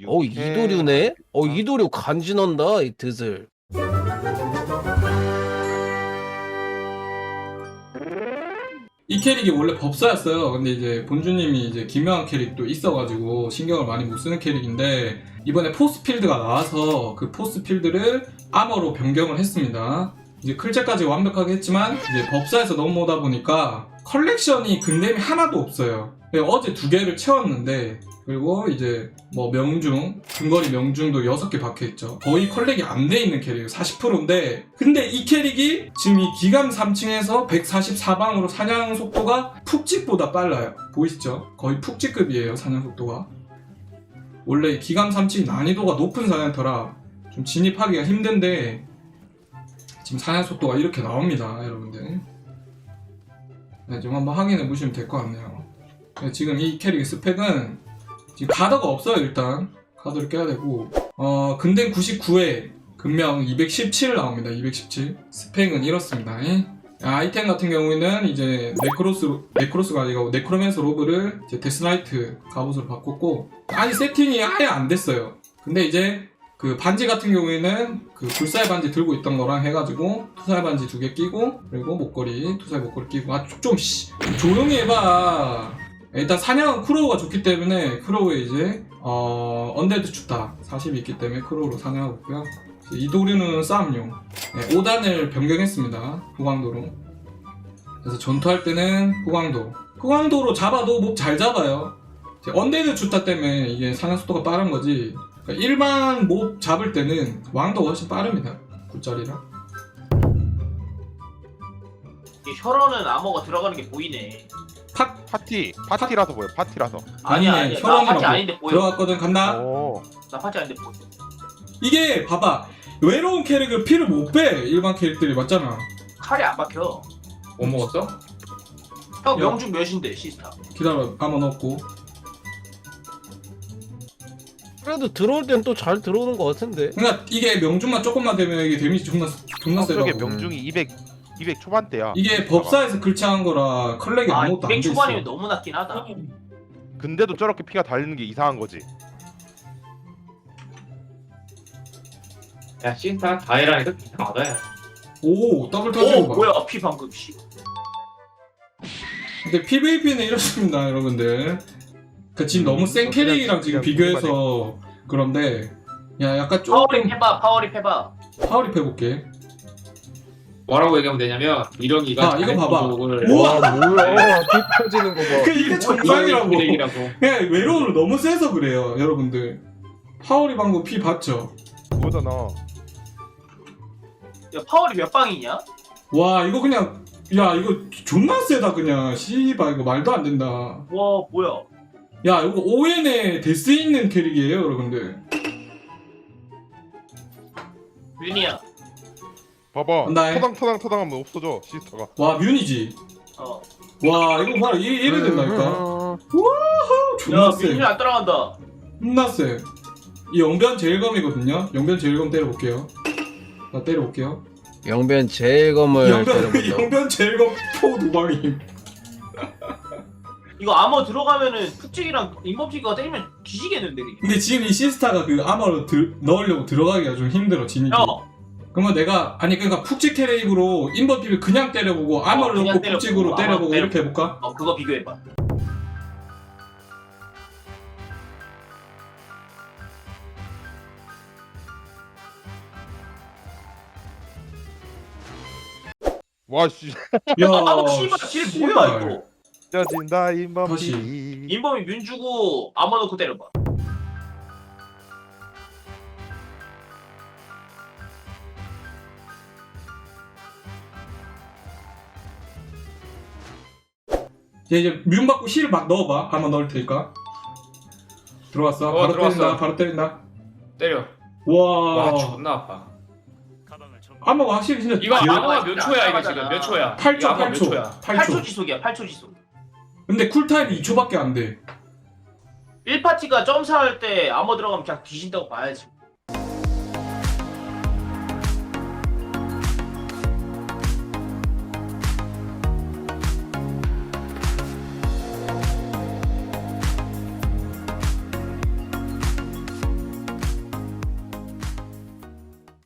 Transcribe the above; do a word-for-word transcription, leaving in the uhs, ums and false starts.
어 이도류네? 어 이도류 간지난다 이 드슬. 이 캐릭이 원래 법사였어요. 근데 이제 본주님이 이제 기묘한 캐릭도 있어가지고 신경을 많이 못 쓰는 캐릭인데 이번에 포스필드가 나와서 그 포스필드를 아머로 변경을 했습니다. 이제 클제까지 완벽하게 했지만 이제 법사에서 넘어오다 보니까 컬렉션이 근댐이 하나도 없어요. 어제 두 개를 채웠는데 그리고 이제 뭐 명중, 근거리 명중도 여섯 개 박혀있죠. 거의 컬렉이 안 돼 있는 캐릭이에요. 사십 퍼센트인데 근데 이 캐릭이 지금 이 기감 삼 층에서 백사십사 방으로 사냥 속도가 푹찍보다 빨라요. 보이시죠? 거의 푹찍급이에요, 사냥 속도가. 원래 기감 삼 층 난이도가 높은 사냥터라 좀 진입하기가 힘든데 지금 사냥 속도가 이렇게 나옵니다, 여러분들. 네, 좀 한번 확인해 보시면 될 것 같네요. 네, 지금 이 캐릭의 스펙은 지금 가더가 없어요. 일단 가더를 껴야 되고 어 근댐 구십구 회 근명 이백십칠 나옵니다. 이백십칠. 스펙은 이렇습니다. 아이템 같은 경우에는 이제 네크로스 네크로스가 아니고 네크로맨스 로브를 이제 데스나이트 갑옷으로 바꿨고 아니 세팅이 아예 안 됐어요. 근데 이제 그 반지 같은 경우에는 그 불사의 반지 들고 있던 거랑 해가지고 투사의 반지 두 개 끼고 그리고 목걸이 투사의 목걸이 끼고 아 좀 씨 조용히 해봐. 일단 사냥은 크로우가 좋기 때문에 크로우에 이제 어 언데드 춥다 사십이 있기 때문에 크로우로 사냥하고 있고요. 이도류는 싸움용. 네, 오 단을 변경했습니다. 후광도로. 그래서 전투할 때는 후광도. 후광도로 잡아도 몹 잘 잡아요. 언데드 춥다 때문에 이게 사냥 속도가 빠른 거지. 그러니까 일반 몹 잡을 때는 왕도가 훨씬 빠릅니다. 굿자리랑. 이 혈원은 암호가 들어가는 게 보이네. 파, 파티 파티라서 보여. 파티라서. 아니야, 아니네, 아니야. 나 파티 혈원이라고. 아닌데 보여. 들어갔거든. 간다. 오. 나 파티 아닌데 보여. 이게 봐봐. 외로운 캐릭을 피를 못 빼. 일반 캐릭들이 맞잖아. 칼이 안 박혀. 못 먹었어? 형 야. 명중 몇인데 시스타? 기다려. 한번 넣고. 그래도 들어올 땐 또 잘 들어오는 것 같은데. 그러니까 이게 명중만 조금만 되면 이게 데미지 존나 존나 세다고. 저게 명중이 이백 이백 초반대야. 이게 법사에서 글치한 거라 컬렉이 아, 아무것도 안 돼 이백 있어. 초반이면 너무 낮긴 하다. 근데도 저렇게 피가 달리는 게 이상한 거지. 야 신타 다이라니까 받아야. 오 더블 터지고 오 봐. 뭐야 피 방금 씨. 근데 피브이피는 이렇습니다, 여러분들. 그 지금 너무 센 그냥 캐릭이랑 지금 그냥 비교해서 그런데 야 약간 파워립 조금 해봐 파워립 해봐. 파워립 해볼게. 뭐라고 얘기하면 되냐면 이런이가 아, 이거 봐봐. 우와 뭐야? 피 터지는 거 봐. 그 이게 정상이라고. 캐릭이라고. 그냥 외로움을 너무 세서 그래요, 여러분들. 파워립 방금 피 봤죠? 그거잖아. 야 파워립 몇 방이냐? 와 이거 그냥 야 이거 존나 세다 그냥. 씨발 이거 말도 안 된다. 와 뭐야? 야 이거 오엔에 데스 있는 캐릭이에요, 여러분들. 윤이야. 봐봐. 간다. 터당 터당 터당하면 없어져 시스터가. 와 뮤니지. 어. 와 이거 봐라, 이 이래 된다니까. 음, 존나 야 세. 윤이 안 따라간다. 존나 세. 이 영변 제일검이거든요. 영변 제일검 때려볼게요. 나 때려볼게요. 영변 제일검을 영변 때려본다. 영변 제일검 포 두 방임. 이거 암호 들어가면은 푹찍이랑 인범찍이가 때리면 뒤지겠는데 그게. 근데 지금 이 시스타가 그 아머로 들, 넣으려고 들어가기가 좀 힘들어, 진입이. 야 그러면 내가 아니 그러니까 푹찍 캐릭으로 인버피를 그냥 때려보고 아머를 그냥 넣고 때려보고, 푹찍으로 아머 때려보고 때려보고. 이렇게 해볼까? 어 그거 비교해봐. 와 씨. 야 아 씨발 질 뭐야 이거? 쪄진다 다시. 인범피. 인범이 뮨 주고 암호 넣고 때려봐. 얘 이제 뮨 받고 힐 막 넣어봐. 한번 넣을 테니까. 들어갔어. 어, 바로 들어왔어. 때린다. 바로 때린다. 때려. 와. 와 존나 아파. 아머가 확실히 진짜 이거 귀여- 암호가 몇 초야 이거 지금 몇 초야? 팔 초, 이거 암호 팔 몇 초. 초야? 팔 팔 초. 초 지속이야 팔 초 지속. 근데 쿨타임이 이 초밖에 안 돼. 일 파티가 점사할 때 암호 들어가면 그냥 뒤진다고 봐야지.